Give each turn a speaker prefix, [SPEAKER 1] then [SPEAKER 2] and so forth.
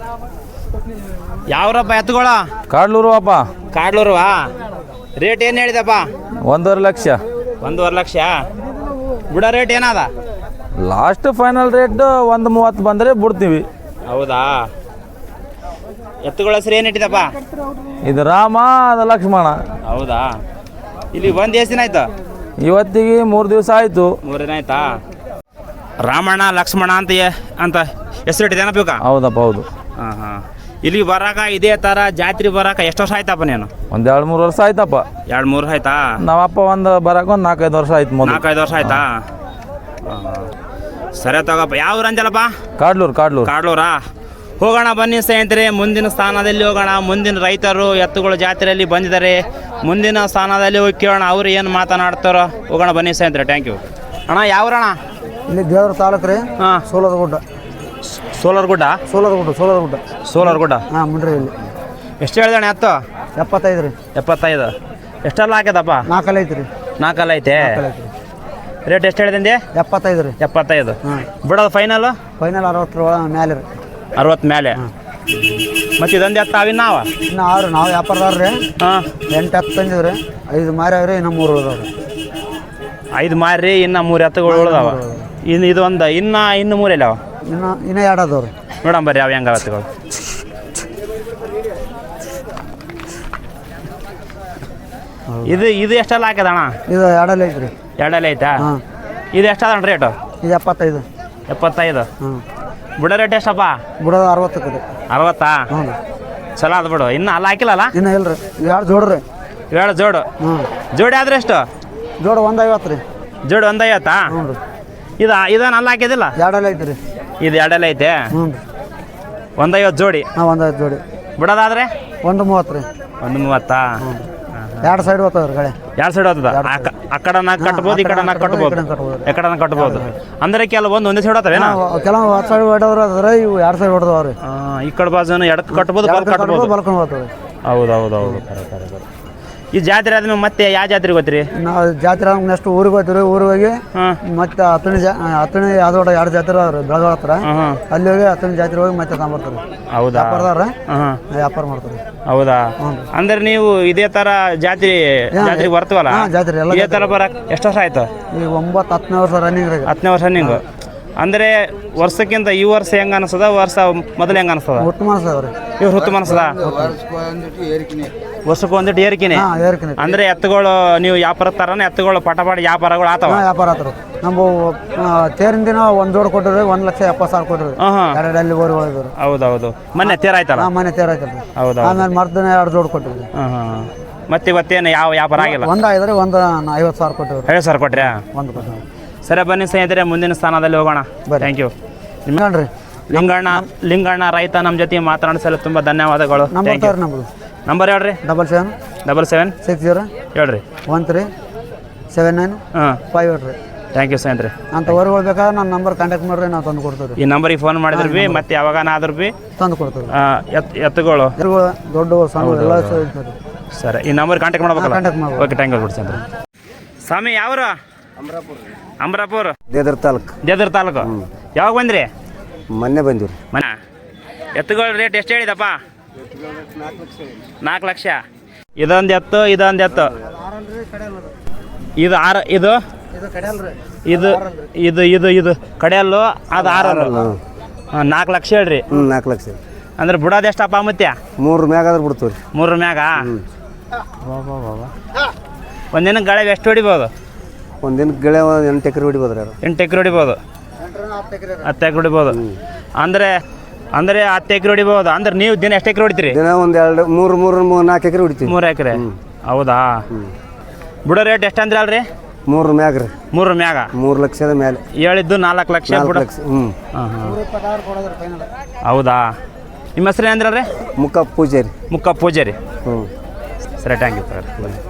[SPEAKER 1] ಯಾವ್ರಪ್ಪ ಎತ್ತುಗಳ?
[SPEAKER 2] ಕಾಡ್ಲೂರು ಅಪ್ಪ.
[SPEAKER 1] ಕಾಡ್ಲೂರುವಾ? ರೇಟ್ ಏನು ಹೇಳಿದಪ್ಪ?
[SPEAKER 2] 1.5 ಲಕ್ಷ.
[SPEAKER 1] 1.5 ಲಕ್ಷ. ಬಿಡೋ ರೇಟ್ ಏನದ?
[SPEAKER 2] ಲಾಸ್ಟ್ ಫೈನಲ್ ರೇಟ್ 1.30 ಬಂದರೆ ಬಿಡ್ತೀವಿ.
[SPEAKER 1] ಹೌದಾ? ಎತ್ತುಗಳ ಹೆಸರು ಏನು ಇಟ್ಟಿದಪ್ಪ?
[SPEAKER 2] ಇದು ರಾಮ, ಅದು ಲಕ್ಷ್ಮಣ.
[SPEAKER 1] ಹೌದಾ? ಇಲ್ಲಿ ಬಂದು ಎಷ್ಟು ದಿನ ಆಯ್ತು?
[SPEAKER 2] ಇವತ್ತಿಗೆ 3 ದಿವಸ ಆಯಿತು.
[SPEAKER 1] 3 ದಿನ ಆಯ್ತಾ? ರಾಮಣ್ಣ ಲಕ್ಷ್ಮಣ ಅಂತ ಹೆಸರು ಇಟ್ಟಿದ್ದೇನ ಬೇಕಾ?
[SPEAKER 2] ಹೌದಪ್ಪ, ಹೌದು.
[SPEAKER 1] ಹಾಂ ಹಾಂ. ಇಲ್ಲಿ ಬರಾಕ ಇದೇ ಥರ ಜಾತ್ರೆ ಬರಾಕ ಎಷ್ಟು ವರ್ಷ ಆಯ್ತಪ್ಪ ನೀನು?
[SPEAKER 2] 2-3 ವರ್ಷ ಆಯ್ತಪ್ಪ.
[SPEAKER 1] 2-3 ಆಯ್ತಾ?
[SPEAKER 2] ನಾವಪ್ಪ ಬರಕ್ಕೆ 4-5 ವರ್ಷ ಆಯ್ತು.
[SPEAKER 1] 4-5 ವರ್ಷ ಆಯ್ತಾ? ಸರಿ ತಗೋಪ್ಪ. ಯಾವ ಊರು ಅಂಜಲಪ್ಪ?
[SPEAKER 2] ಕಾಡ್ಲೂರು.
[SPEAKER 1] ಕಾಡ್ಲೂರಾ? ಹೋಗೋಣ ಬನ್ನಿ ಸ್ನೇಹಿತರೆ, ಮುಂದಿನ ಸ್ಥಾನದಲ್ಲಿ ಹೋಗೋಣ. ಮುಂದಿನ ರೈತರು ಎತ್ತುಗಳು ಜಾತ್ರೆಯಲ್ಲಿ ಬಂದಿದ್ದಾರೆ. ಮುಂದಿನ ಸ್ಥಾನದಲ್ಲಿ ಹೋಗಿ ಕೇಳೋಣ ಅವ್ರು ಏನು ಮಾತನಾಡ್ತಾರೋ. ಹೋಗೋಣ ಬನ್ನಿ ಸ್ನೇಹಿತರೆ. ಥ್ಯಾಂಕ್ ಯು ಅಣ್ಣ. ಯಾವ್ರಣ್ಣ?
[SPEAKER 3] ಇಲ್ಲಿ ದೇವ್ರ ತಾಲೂಕು ರೀ.
[SPEAKER 1] ಹಾಂ.
[SPEAKER 3] ಸೋಲರಗುಡ್ಡ.
[SPEAKER 1] ಸೋಲರಗುಡ್ಡ. ಹಾಂ,
[SPEAKER 3] ಮುಂಡ್ರಿ. ಇಲ್ಲಿ
[SPEAKER 1] ಎಷ್ಟು ಹೇಳಿದಣ್ಣ ಎತ್ತು?
[SPEAKER 3] 75 ರೀ.
[SPEAKER 1] 75. ಎಷ್ಟೆಲ್ಲ ಹಾಕ್ಯದಪ್ಪ?
[SPEAKER 3] 4 ಐತಿ ರೀ.
[SPEAKER 1] 4 ಐತೆ. ರೇಟ್ ಎಷ್ಟು ಹೇಳಿದೆ?
[SPEAKER 3] 75 ರೀ.
[SPEAKER 1] 75.
[SPEAKER 3] ಹಾಂ.
[SPEAKER 1] ಬಿಡೋದು ಫೈನಲ್
[SPEAKER 3] 60 ಮೇಲೆ ರೀ.
[SPEAKER 1] 60 ಮೇಲೆ. ಮತ್ತು ಇದೊಂದು ಎತ್ತ ಅವಿನ್ನಾವ?
[SPEAKER 3] ಇನ್ನು 6. ನಾವು ವ್ಯಾಪಾರದವ್ರು ರೀ.
[SPEAKER 1] ಹಾಂ.
[SPEAKER 3] 8 ಎತ್ತು ತಂದಿದ್ರಿ. 5 ಮಾರಿ ಅವ್ರಿ. ಇನ್ನು 3 ಉಳಿದವ್ರಿ.
[SPEAKER 1] 5 ಮಾರಿ, ಇನ್ನು 3 ಎತ್ತುಗಳು ಉಳಿದಾವ. ಇದು ಒಂದು ಇನ್ನು 3 ಎಲ್ಲವ?
[SPEAKER 3] ಇನ್ನು 2 ಅದಾವ್ರಿ.
[SPEAKER 1] ನೋಡೋಣ ಬರ್ರಿ ಯಾವ ಹೆಂಗ ಎತ್ತುಗಳು. ಇದು ಎಷ್ಟೆಲ್ಲ ಹಾಕ್ಯದ ಅಣ್ಣ?
[SPEAKER 3] ಇದು 2 ಐತಿ ರೀ.
[SPEAKER 1] 2 ಐತಾ?
[SPEAKER 3] ಹಾಂ.
[SPEAKER 1] ಇದು ಎಷ್ಟದ ರೇಟು?
[SPEAKER 3] ಇದು 75.
[SPEAKER 1] 75.
[SPEAKER 3] ಹಾಂ.
[SPEAKER 1] ಬಿಡೋ ರೇಟ್ ಎಷ್ಟಪ್ಪ?
[SPEAKER 3] ಬಿಡೋದು 60 ರೀ.
[SPEAKER 1] 60?
[SPEAKER 3] ಹ್ಞೂ.
[SPEAKER 1] ಚಲೋ ಅದು ಬಿಡು. ಇನ್ನು ಅಲ್ಲ ಹಾಕಿಲ್ಲಲ್ಲ?
[SPEAKER 3] ಇನ್ನು ಇಲ್ಲ ರೀ. 2 ಜೋಡ್ರಿ.
[SPEAKER 1] 2 ಜೋಡು.
[SPEAKER 3] ಹ್ಞೂ.
[SPEAKER 1] ಜೋಡಿ ಆದ್ರೆ ಎಷ್ಟು?
[SPEAKER 3] ಜೋಡು 150 ರೀ.
[SPEAKER 1] ಜೋಡಿ 150?
[SPEAKER 3] ಹ್ಞೂ ರೀ.
[SPEAKER 1] ಇದನ್ನ ಅಲ್ಲ ಹಾಕಿದಿಲ್ಲ?
[SPEAKER 3] 2 ಐತಿ ರೀ.
[SPEAKER 1] ಇದು 2 ಐತೆ?
[SPEAKER 3] ಹ್ಞೂ.
[SPEAKER 1] 150 ಜೋಡಿ.
[SPEAKER 3] ಹಾಂ, 150 ಜೋಡಿ.
[SPEAKER 1] ಬಿಡೋದಾದ್ರೆ
[SPEAKER 3] 130 ರೀ.
[SPEAKER 1] 130?
[SPEAKER 3] 2 ಸೈಡ್ ಹೋಗ್ತವ್ರಿ ಗಾಡಿ.
[SPEAKER 1] 2 ಸೈಡ್ ಹೋಗ್ತದ? ಆ ಕಡೆನ ಕಟ್ಬೋದು, ಈ ಕಡೆನ ಕಟ್ಬೋದು. ಈ ಕಡೆನ ಕಟ್ಬೋದು. ಅಂದ್ರೆ ಕೆಲವೊಂದು ಒಂದೇ ಸೈಡ್ ಹೋಗ್ತವೇನಾ?
[SPEAKER 3] ಕೆಲವು 10 ಸೈಡ್ ಹೊಡೆದ್ರು ಅದ್ರ, ಇವು 2 ಸೈಡ್ ಹೊಡೆದವ್ರಿ.
[SPEAKER 1] ಈ ಕಡೆ ಬಾಜುನ ಎಡಕ್ಕೆ ಕಟ್ಬೋದು, ಕಟ್ಬೋದು.
[SPEAKER 3] ಬಲ್ಕೊಂಡು ಹೋಗ್ತವ್ರಿ.
[SPEAKER 1] ಹೌದು. ಈ ಜಾತ್ರೆ ಆದ್ಮೇಲೆ ಮತ್ತೆ ಯಾವ ಜಾತ್ರೆ ಗೊತ್ತೀರಿ?
[SPEAKER 3] ನಾವು ಜಾತ್ರೆ ನೆಕ್ಸ್ಟ್ ಊರಿಗೆ ಹೋಗ್ತೀವಿ. ಊರಿಗೆ ಹೋಗಿ ಮತ್ತೆ ಹತ್ತನೇ ಯಾವ್ದೋ 2 ಜಾತ್ರೆ ಅವ್ರಿ ಬೆಳಗಾವ್ ಹತ್ರ. ಅಲ್ಲಿ ಹೋಗಿ 10ನೇ ಜಾತ್ರೆ ಹೋಗಿ ಮತ್ತೆ ತಗೊಂಬರ್ತಾರೆ.
[SPEAKER 1] ಹೌದಾ?
[SPEAKER 3] ವ್ಯಾಪಾರದವ್ರ ವ್ಯಾಪಾರ ಮಾಡ್ತಾರೆ.
[SPEAKER 1] ಹೌದಾ? ಅಂದ್ರೆ ನೀವು ಇದೇ ತರ ಜಾತ್ರೆಗೆ ಬರ್ತವಲ್ಲ?
[SPEAKER 3] ಜಾತ್ರೆ ಎಲ್ಲ
[SPEAKER 1] ಇದೇ ತರ ಬರಕ್ ಎಷ್ಟು ವರ್ಷ ಆಯ್ತು?
[SPEAKER 3] ಈಗ 9-10ನೇ ವರ್ಷ ರನ್ನಿಂಗ್.
[SPEAKER 1] 10ನೇ ವರ್ಷ ರನ್ನಿಂಗ್. ಅಂದ್ರೆ ವರ್ಷಕ್ಕಿಂತ ಈ ವರ್ಷ ಹೆಂಗ ಅನಿಸ್ತದ, ವರ್ಷ ಮೊದಲು ಹೆಂಗ ಅನಿಸ್ತದ?
[SPEAKER 3] ಉತ್ತಮ ಅನ್ಸದವ್ರಿ.
[SPEAKER 1] ಇವ್ರು ಉತ್ತಮ ಅನಿಸ್ತದ? ವರ್ಷಕ್ಕೆ ಒಂದಿಟ್ಟು ಏರಿಕೆನೆ. ಅಂದ್ರೆ ಎತ್ತುಗಳು ನೀವು ವ್ಯಾಪಾರ ತರನ ಎತ್ತುಗಳು ಪಟ ವ್ಯಾಪಾರಗಳು ಆತವ?
[SPEAKER 3] ವ್ಯಾಪಾರ ಆತರು. ನಮ್ಮ ತೇರಿನ ದಿನ 1 ಜೋಡ್ ಕೊಟ್ಟಿರಿ. 1,70,000 ಕೊಟ್ಟಿರಿ. 2 ಅಲ್ಲಿ ಊರು ಹೋಗಿದ್ರು.
[SPEAKER 1] ಹೌದೌದು. ಮೊನ್ನೆ ತೇರ್ ಆಯ್ತಲ್ಲ?
[SPEAKER 3] ಮೊನ್ನೆ ತೇರ್ ಆಯ್ತಲ್ಲ.
[SPEAKER 1] ಹೌದಾ?
[SPEAKER 3] ಆಮೇಲೆ ಮರ್ದಿನ 2 ಜೋಡ್ ಕೊಟ್ಟಿರಿ.
[SPEAKER 1] ಮತ್ತೆ ಇವತ್ತೇನು ಯಾವ ವ್ಯಾಪಾರ ಆಗಿಲ್ಲ?
[SPEAKER 3] 1 ಆಗಿದ್ರೆ 50,000 ಕೊಟ್ಟಿರಿ.
[SPEAKER 1] 50,000 ಕೊಟ್ರಿ?
[SPEAKER 3] 1 ಕೊಟ್ಟಿರಿ.
[SPEAKER 1] ಸರಿ ಬನ್ನಿ ಸ್ನೇಹಿತರೆ, ಮುಂದಿನ ಸ್ಥಾನದಲ್ಲಿ ಹೋಗೋಣ. Thank you.
[SPEAKER 3] ನಿಮ್ಗಣ್ರಿ
[SPEAKER 1] ಲಿಂಗಣ್ಣ ರೈತ ನಮ್ಮ ಜೊತೆ ಮಾತನಾಡಿಸಲು ತುಂಬ ಧನ್ಯವಾದಗಳು. ನಂಬರ್ ಹೇಳ್ರಿ. 77
[SPEAKER 3] 60
[SPEAKER 1] ಹೇಳ್ರಿ.
[SPEAKER 3] 1379 58 ರೀ.
[SPEAKER 1] ಥ್ಯಾಂಕ್ ಯು ಸ್ನೇಹಿತರೆ.
[SPEAKER 3] ಅಂತ ಊರುಗಳು ಬೇಕಾದ್ರೆ ನನ್ನ ನಂಬರ್ ಕಾಂಟ್ಯಾಕ್ಟ್ ಮಾಡ್ರಿ, ನಾವು ತಂದು ಕೊಡ್ತೀವಿ.
[SPEAKER 1] ಈ ನಂಬರಿಗೆ ಫೋನ್ ಮಾಡಿದ್ರು ಭೀ ಮತ್ತೆ ಯಾವಾಗನಾದ್ರೂ ಭೀ
[SPEAKER 3] ತಂದು ಕೊಡ್ತೀವಿ.
[SPEAKER 1] ಎತ್ತುಗಳು
[SPEAKER 3] ದೊಡ್ಡ ಸಣ್ಣ ಎಲ್ಲ
[SPEAKER 1] ಸರಿ. ಈ ನಂಬರ್ ಕಾಂಟ್ಯಾಕ್ಟ್ ಮಾಡ್ಬೇಕಲ್ಲ?
[SPEAKER 3] ಕಾಂಟ್ಯಾಕ್ಟ್ ಮಾಡ್ಬೇಕು.
[SPEAKER 1] ಓಕೆ, ಥ್ಯಾಂಕ್ ಯು ಬಿಡಿ ಸ್ನೇಹಿತರೆ. ಸ್ವಾಮಿ ಯಾವರು? ಅಮರಾಪುರ.
[SPEAKER 3] ದೇದರ್
[SPEAKER 1] ತಾಲೂಕು. ಯಾವಾಗ ಬಂದ್ರಿ?
[SPEAKER 3] ಮೊನ್ನೆ ಬಂದಿರಿ.
[SPEAKER 1] ಎತ್ತುಗಳ ರೇಟ್ ಎಷ್ಟು ಹೇಳಿದಪ್ಪ? 4 ಲಕ್ಷ. ಇದೊಂದು ಎತ್ತು ಇದು ಇದು ಕಡೆಯಲ್ಲು ಅದು 4 ಲಕ್ಷ ಹೇಳ್ರಿ.
[SPEAKER 3] 4 ಲಕ್ಷ.
[SPEAKER 1] ಅಂದ್ರೆ ಬಿಡೋದು ಎಷ್ಟಪ್ಪ ಮತ್ತೆ?
[SPEAKER 3] 3 ಮ್ಯಾಗ ಆದ್ರೆ ಬಿಡ್ತೀವಿ.
[SPEAKER 1] 3 ಮ್ಯಾಗ? ಒಂದಿನ ಗಾಳಿಗೆ ಎಷ್ಟು ಹೊಡಿಬೋದು?
[SPEAKER 3] ಒಂದಿನ ಗೆಳೆ 8 ಎಕರೆ ಹೊಡಿಬೋದು.
[SPEAKER 1] 8 ಎಕರೆ ಹೊಡಿಬೋದು. 10 ಎಕರೆ ಹೊಡಿಬೋದು. ಅಂದ್ರೆ 10 ಎಕರೆ ಹೊಡಿಬೋದು. ಅಂದ್ರೆ ನೀವು ದಿನ ಎಷ್ಟು ಎಕರೆ ಹೊಡಿತೀರಿ?
[SPEAKER 3] ದಿನ 1 2 3 4 ಎಕರೆ ಹೊಡಿತೀವಿ.
[SPEAKER 1] 3 ಎಕರೆ? ಹೌದಾ? ಬಿಡೋ ರೇಟ್ ಎಷ್ಟು ಅಂದ್ರೆ ಅಲ್ರಿ?
[SPEAKER 3] 3 ಮ್ಯಾಗ ರೀ.
[SPEAKER 1] 3 ಮ್ಯಾಗ?
[SPEAKER 3] 3 ಲಕ್ಷದ ಮೇಲೆ
[SPEAKER 1] ಹೇಳಿದ್ದು 4 ಲಕ್ಷ. ಹೌದಾ? ನಿಮ್ಮ ಹೆಸರು ಏನಂದ್ರಿ?
[SPEAKER 3] ಮುಕ್ಕ ಪೂಜಾರಿ.
[SPEAKER 1] ಸರಿ, ಥ್ಯಾಂಕ್ ಯು ಸರ್.